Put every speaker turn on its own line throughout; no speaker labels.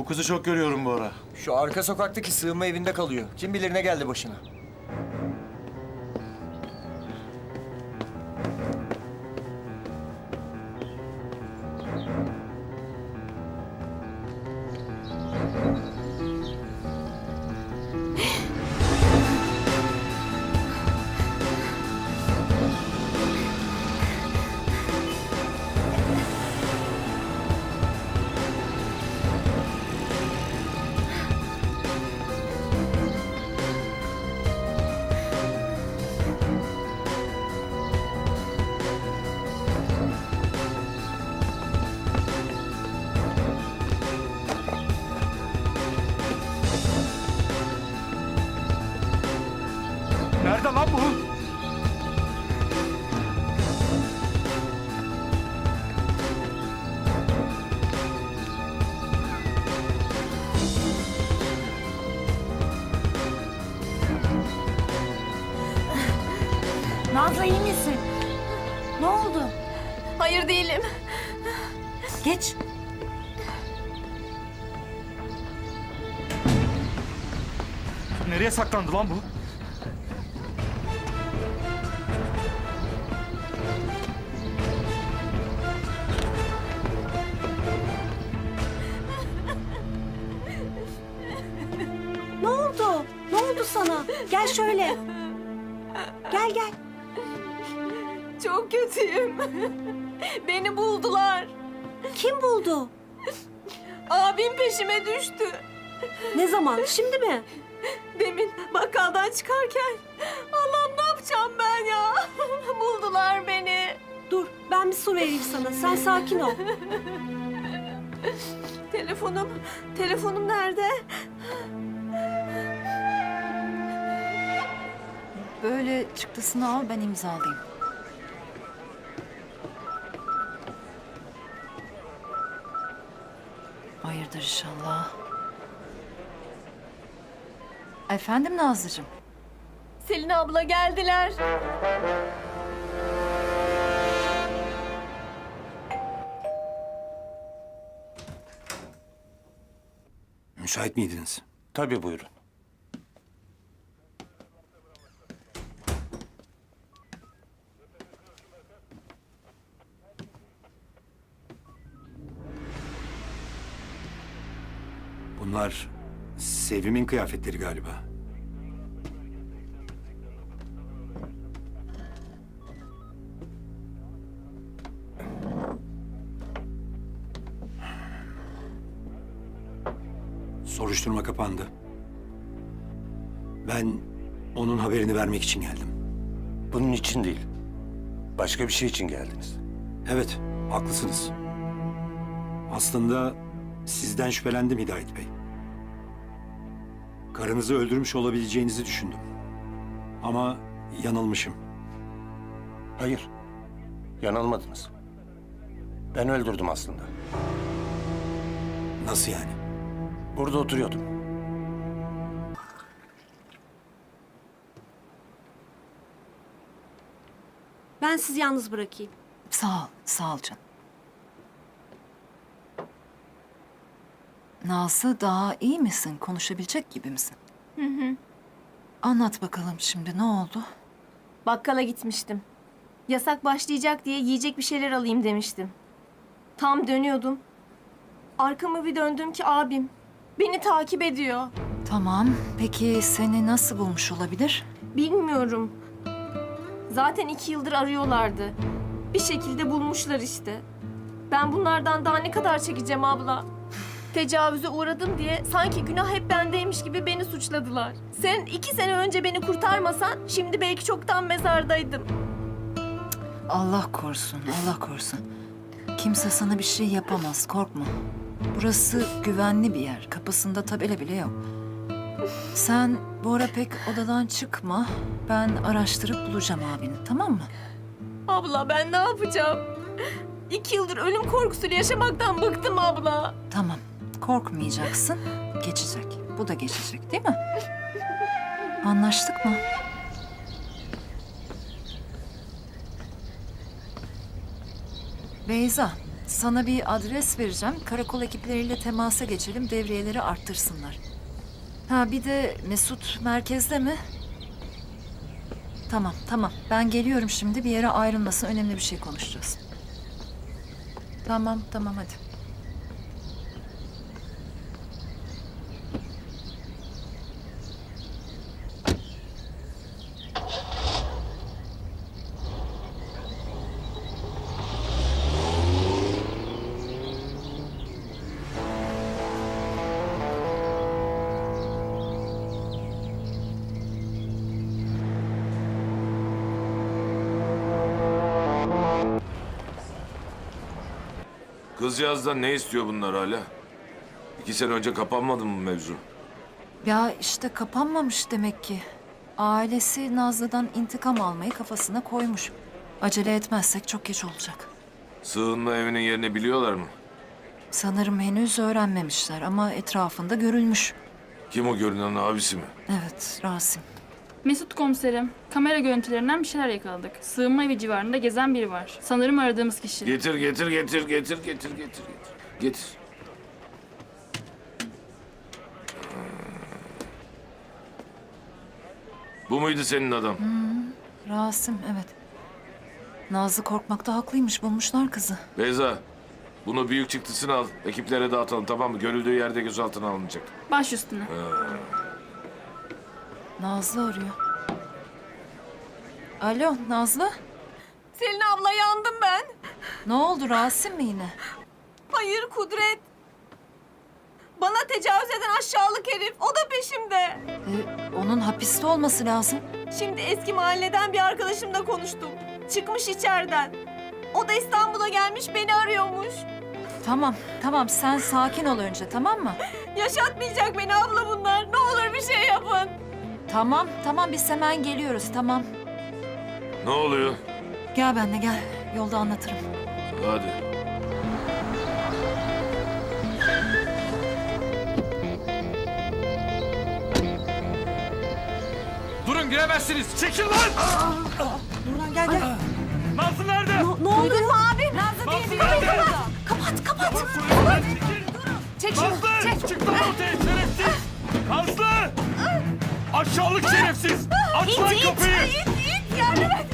Bu kızı çok görüyorum bu ara.
Şu arka sokaktaki sığınma evinde kalıyor. Kim bilir ne geldi başına.
Nerede lan bu?
Nazlı iyi misin? Ne oldu?
Hayır değilim.
Geç.
Nereye saklandı lan bu?
Ne oldu? Ne oldu sana? Gel şöyle. Gel gel.
Çok kötüyüm. Beni buldular.
Kim buldu?
Abim peşime düştü.
Ne zaman? Şimdi mi?
Demin bakkaldan çıkarken. Allah'ım ne yapacağım ben ya? Buldular beni.
Dur ben bir su vereyim sana. Sen sakin ol.
Telefonum nerede?
Böyle çıktısını al, ben imzalayayım. Hayırdır inşallah. Efendim Nazlıcığım?
Selin abla geldiler.
Müsait miydiniz?
Tabii buyurun.
Bunlar Sevim'in kıyafetleri galiba. Soruşturma kapandı. Ben onun haberini vermek için geldim.
Bunun için değil. Başka bir şey için geldiniz.
Evet, haklısınız. Aslında sizden şüphelendim Hidayet Bey. Karınızı öldürmüş olabileceğinizi düşündüm. Ama yanılmışım.
Hayır. Yanılmadınız. Ben öldürdüm aslında.
Nasıl yani?
Burada oturuyordum.
Ben sizi yalnız bırakayım.
Sağ ol canım. Nazlı, daha iyi misin? Konuşabilecek gibi misin? Anlat bakalım şimdi, ne oldu?
Bakkala gitmiştim. Yasak başlayacak diye yiyecek bir şeyler alayım demiştim. Tam dönüyordum. Arkamı bir döndüm ki abim beni takip ediyor.
Tamam, peki seni nasıl bulmuş olabilir?
Bilmiyorum. Zaten 2 yıldır arıyorlardı. Bir şekilde bulmuşlar işte. Ben bunlardan daha ne kadar çekeceğim abla? Tecavüze uğradım diye sanki günah hep bendeymiş gibi beni suçladılar. Sen 2 sene önce beni kurtarmasan şimdi belki çoktan mezardaydım.
Allah korusun, Allah korusun. Kimse sana bir şey yapamaz, korkma. Burası güvenli bir yer, kapısında tabela bile yok. Sen bu ara pek odadan çıkma. Ben araştırıp bulacağım abini, tamam mı?
Abla ben ne yapacağım? 2 yıldır ölüm korkusuyla yaşamaktan bıktım abla.
Tamam, korkmayacaksın. Geçecek. Bu da geçecek, değil mi? Anlaştık mı? Beyza, sana bir adres vereceğim. Karakol ekipleriyle temasa geçelim, devriyeleri arttırsınlar. Ha bir de Mesut merkezde mi? Tamam, tamam. Ben geliyorum şimdi. Bir yere ayrılmasın. Önemli bir şey konuşacağız. Tamam, tamam hadi.
Kızcağızdan ne istiyor bunlar hala? 2 sene önce kapanmadı mı mevzu?
Ya işte kapanmamış demek ki. Ailesi Nazlı'dan intikam almayı kafasına koymuş. Acele etmezsek çok geç olacak.
Sığınma evinin yerini biliyorlar mı?
Sanırım henüz öğrenmemişler ama etrafında görülmüş.
Kim o görünen, abisi mi?
Evet, Rasim.
Mesut komiserim, kamera görüntülerinden bir şeyler yakaladık. Sığınma evi civarında gezen biri var. Sanırım aradığımız kişi.
Getir. Bu muydu senin adam?
Rasim, evet. Nazlı korkmakta haklıymış, bulmuşlar kızı.
Beyza, bunu büyük çıktısını al. Ekiplere dağıtalım, tamam mı? Görüldüğü yerde gözaltına alınacak.
Baş üstüne.
Nazlı arıyor. Alo, Nazlı?
Selin abla yandım ben.
Ne oldu, Rasim mi yine?
Hayır Kudret. Bana tecavüz eden aşağılık herif. O da peşimde.
Onun hapiste olması lazım.
Şimdi eski mahalleden bir arkadaşımla konuştum. Çıkmış içeriden. O da İstanbul'a gelmiş beni arıyormuş.
Tamam, tamam. Sen sakin ol önce, tamam mı?
Yaşatmayacak beni abla bunlar. Ne olur bir şey yapın.
Tamam, tamam. Biz hemen geliyoruz, tamam.
Ne oluyor?
Gel benimle, gel. Yolda anlatırım.
Hadi.
Durun giremezsiniz. Çekil lan!
Nurhan gel gel.
Nazlı nerede?
Ne oldu?
Duydun mu abi? Nazlı
Nazlı
diye
nerede?
biri.
Kapat.
Çek şunu.
Nazlı!
Çek.
Çık lan ortaya şerefsiz! Nazlı! Aşağılık şerefsiz! Aç lan kapıyı!
İt yardım et.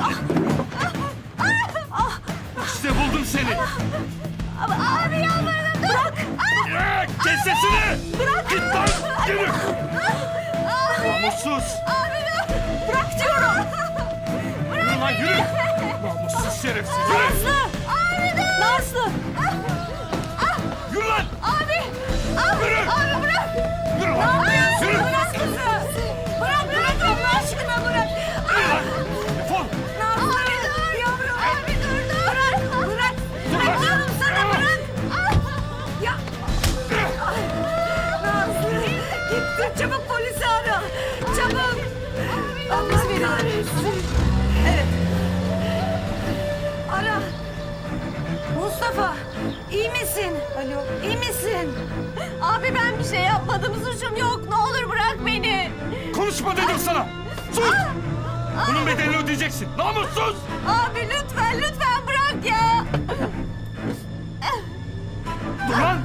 İşte buldum seni!
Abi yalvarırım bırak.
Kes sesini! Bırak! Git lan! Yürü! Namussuz!
Bırak diyorum.
Yürü lan yürü! Namussuz şerefsiz! Yürü!
Nazlı.
Yürü lan! Yürü!
Abi bırak.
Yürü lan! Yürü!
Bırak kızı. Bırak Allah aşkına bırak.
Yürü lan! Defol!
Abi dur. Yavrum. Abi dur. Bırak.
Dur lan!
Diyorum sana bırak. Ya. Nazlı. Gitti. Çabuk polisi ara. Çabuk. Biz veriyoruz. Evet. Ara. Mustafa, iyi misin? Alo, iyi misin? Abi ben bir şey yapmadım, suçum yok. Ne olur bırak beni.
Konuşma dedim sana! Sus! Bunun bedelini ödeyeceksin! Namussuz!
Abi lütfen bırak ya.
Dur lan!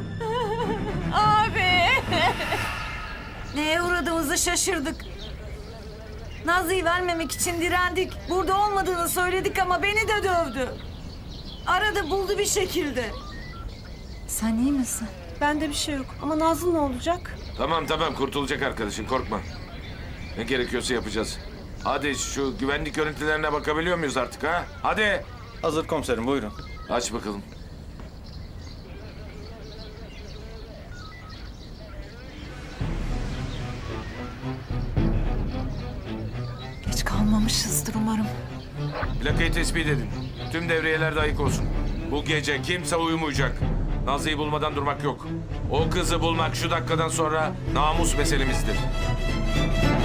Abi. Neye uğradığımızı şaşırdık. Nazlı'yı vermemek için direndik. Burada olmadığını söyledik ama beni de dövdü. Arada buldu bir şekilde.
Sen iyi misin?
Bende bir şey yok. Ama Nazlı ne olacak?
Tamam, kurtulacak arkadaşın, korkma. Ne gerekiyorsa yapacağız. Hadi şu güvenlik görüntülerine bakabiliyor muyuz artık ha? Hadi!
Hazır komiserim buyurun.
Aç bakalım.
Geç kalmamışızdır umarım.
Plakayı tespit edin. Tüm devriyeler de ayık olsun. Bu gece kimse uyumayacak. Nazlı'yı bulmadan durmak yok. O kızı bulmak şu dakikadan sonra namus meselemizdir.